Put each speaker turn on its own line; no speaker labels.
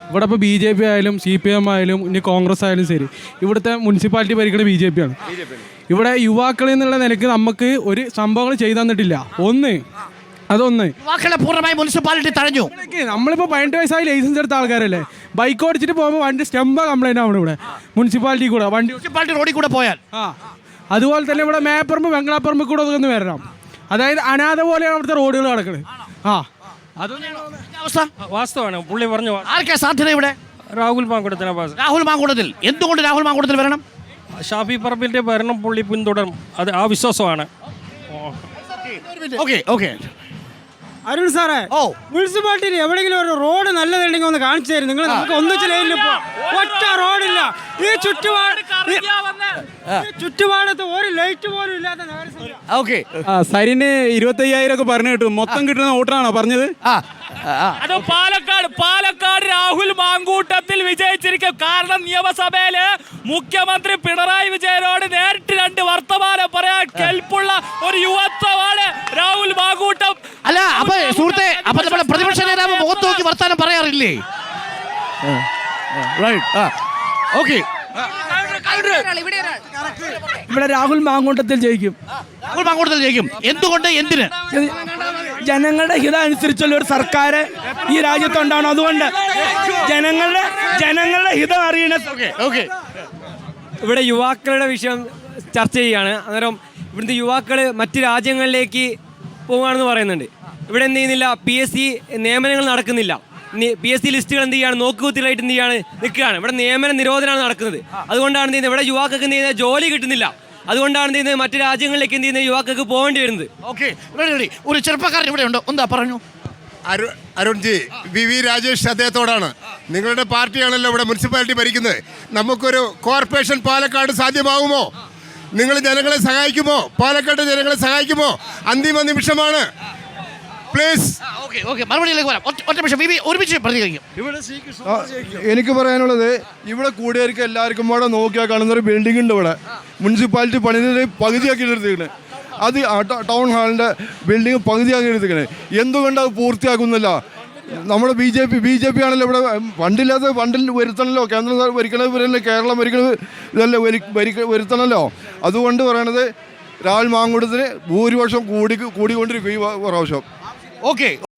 ഇവിടെ ഇപ്പോൾ BJP ആയാലും CPM ആയാലും ഇനി കോൺഗ്രസ് ആയാലും ശരി, ഇവിടുത്തെ മുനിസിപ്പാലിറ്റി ഭരിക്കുന്ന BJP ആണ്. ഇവിടെ യുവാക്കളിൽ നിന്നുള്ള നിലയ്ക്ക് നമുക്ക് ഒരു സംഭവങ്ങൾ ചെയ്തു തന്നിട്ടില്ല. അതൊന്ന്
യുവാക്കളെ പൂർണ്ണമായി മുനിസിപ്പാലിറ്റി തഴഞ്ഞു.
നമ്മളിപ്പോൾ 18 വയസ്സായി ലൈസൻസ് എടുത്ത ആൾക്കാരല്ലേ, ബൈക്ക് ഓടിച്ചിട്ട് പോകുമ്പോൾ വണ്ടി സ്റ്റെമ്പ കംപ്ലൈൻ്റ് ആണ് ഇവിടെ മുനിസിപ്പാലിറ്റി കൂടെ
മുനിസിപ്പാലിറ്റി റോഡിൽ കൂടെ പോയാൽ.
അതുപോലെ തന്നെ ഇവിടെ മേപ്പറമ്പ് വെങ്ങളാപ്പറമ്പ് കൂടെ ഒന്ന് വരണം. അതായത് അനാഥ പോലെയാണ് അവിടുത്തെ റോഡുകൾ കിടക്കുന്നത്.
അവസ്ഥ
വാസ്തവമാണ് പുള്ളി പറഞ്ഞു.
ആർക്കാ സാധ്യത ഇവിടെ?
രാഹുൽ മാങ്കൂട്ടത്തിന്.
രാഹുൽ മാങ്കൂട്ടത്തിൽ. എന്തുകൊണ്ട് രാഹുൽ മാങ്കൂട്ടത്തിൽ വരണം?
ഷാഫി പറമ്പിലിന്റെ ഭരണം പുള്ളി പിന്തുടരും, അത് ആ വിശ്വാസമാണ്.
അരുൺ സാറേ, മുനിസിപ്പാലിറ്റിയിൽ എവിടെയെങ്കിലും ഒരു റോഡ് നല്ലതുണ്ടെങ്കിൽ ഒന്ന് കാണിച്ചു തരും. നിങ്ങൾ നമുക്ക് ഒന്നിച്ചില്ല, ഒറ്റ റോഡില്ല. ഈ ചുറ്റുപാടത്ത് ഒരു ലൈറ്റ് പോലും ഇല്ലാത്ത
സരിന് 25,000 ഒക്കെ പറഞ്ഞു കിട്ടും. മൊത്തം കിട്ടുന്ന വോട്ടറാണോ പറഞ്ഞത്?
അത് പാലക്കാട് രാഹുൽ മാങ്കൂട്ടത്തിൽ വിജയിച്ചിരിക്കും. കാരണം നിയമസഭയില് മുഖ്യമന്ത്രി പിണറായി വിജയനോട് നേരിട്ട് 2 വർത്തമാനം പറയാൻ കെൽപ്പുള്ള ഒരു യുവത്വമാണ് രാഹുൽ മാങ്കൂട്ടം.
അല്ല, അപ്പൊ സുഹൃത്തെ, അപ്പൊ നമ്മുടെ പ്രതിപക്ഷ നേതാവ് മുഖത്ത് നോക്കി വർത്താനം പറയാറില്ലേ?
ഇവിടെ രാഹുൽ മാങ്കൂട്ടത്തിൽ ജയിക്കും.
രാഹുൽ മാങ്കൂട്ടത്തിൽ ജയിക്കും. എന്തുകൊണ്ട്? എന്തിന്?
ജനങ്ങളുടെ ഹിതം അനുസരിച്ചുള്ള ഒരു സർക്കാർ ഈ രാജ്യത്തുണ്ടാവണം. അതുകൊണ്ട് ജനങ്ങളുടെ ഹിതം അറിയണ.
ഇവിടെ യുവാക്കളുടെ വിഷയം ചർച്ച ചെയ്യുകയാണ്. അന്നേരം ഇവിടുത്തെ യുവാക്കൾ മറ്റ് രാജ്യങ്ങളിലേക്ക് പോവുകയാണെന്ന് പറയുന്നുണ്ട്. ഇവിടെ എന്ത് ചെയ്യുന്നില്ല, PSC നിയമനങ്ങൾ നടക്കുന്നില്ല. PSC ലിസ്റ്റുകൾ എന്ത് ചെയ്യാണ്, നോക്കുകുത്തിലായിട്ട് എന്ത് ചെയ്യാണ് നിൽക്കുകയാണ്. ഇവിടെ നിയമന നിരോധനമാണ് നടക്കുന്നത്. അതുകൊണ്ടാണ് എന്ത് ചെയ്യുന്നത്, ഇവിടെ യുവാക്കൾക്ക് എന്ത് ചെയ്യുന്നത്, ജോലി കിട്ടുന്നില്ല. അതുകൊണ്ടാണ് എന്ത് ചെയ്യുന്നത്, മറ്റു രാജ്യങ്ങളിലേക്ക് എന്ത് ചെയ്യുന്നത്, യുവാക്കൾക്ക് പോകേണ്ടി വരുന്നത്.
ഒരു ചെറുപ്പക്കാരൻ ഇവിടെ ഉണ്ടോ? എന്താ പറഞ്ഞു?
അരുൺജി, VV രാജേഷ് അദ്ദേഹത്തോടാണ്. നിങ്ങളുടെ പാർട്ടിയാണല്ലോ ഇവിടെ മുനിസിപ്പാലിറ്റി ഭരിക്കുന്നത്. നമുക്കൊരു കോർപ്പറേഷൻ പാലക്കാട് സാധ്യമാകുമോ? നിങ്ങൾ ജനങ്ങളെ സഹായിക്കുമോ? പാലക്കാട് ജനങ്ങളെ സഹായിക്കുമോ? അന്തിമ നിമിഷമാണ്. പ്ലീസ്.
എനിക്ക് പറയാനുള്ളത്, ഇവിടെ കൂടിയവർക്ക് എല്ലാവർക്കും ഇവിടെ നോക്കിയാൽ കാണുന്ന ഒരു ബിൽഡിംഗ് ഉണ്ട്. ഇവിടെ മുനിസിപ്പാലിറ്റി പണിത് പകുതിയാക്കി എടുത്തിരിക്കുന്നത്. അത് ടൗൺ ഹാളിൻ്റെ ബിൽഡിംഗ് പകുതിയാക്കി എടുത്തിരിക്കുന്നത്. എന്തുകൊണ്ട് അത് പൂർത്തിയാക്കുന്നില്ല? നമ്മുടെ BJP ആണല്ലോ ഇവിടെ. ഫണ്ടില്ലാത്ത ഫണ്ടിൽ വരുത്തണമല്ലോ. കേന്ദ്രം ഭരിക്കണത് വരല്ലേ, കേരളം ഭരിക്കണത് ഇതല്ലേ വരുത്തണമല്ലോ. അതുകൊണ്ട് പറയണത്, രാഹുൽ മാങ്കൂട്ടത്തിന് ഭൂരിപക്ഷം കൂടിക്കൊണ്ടിരിക്കും ഈ പ്രാവശ്യം.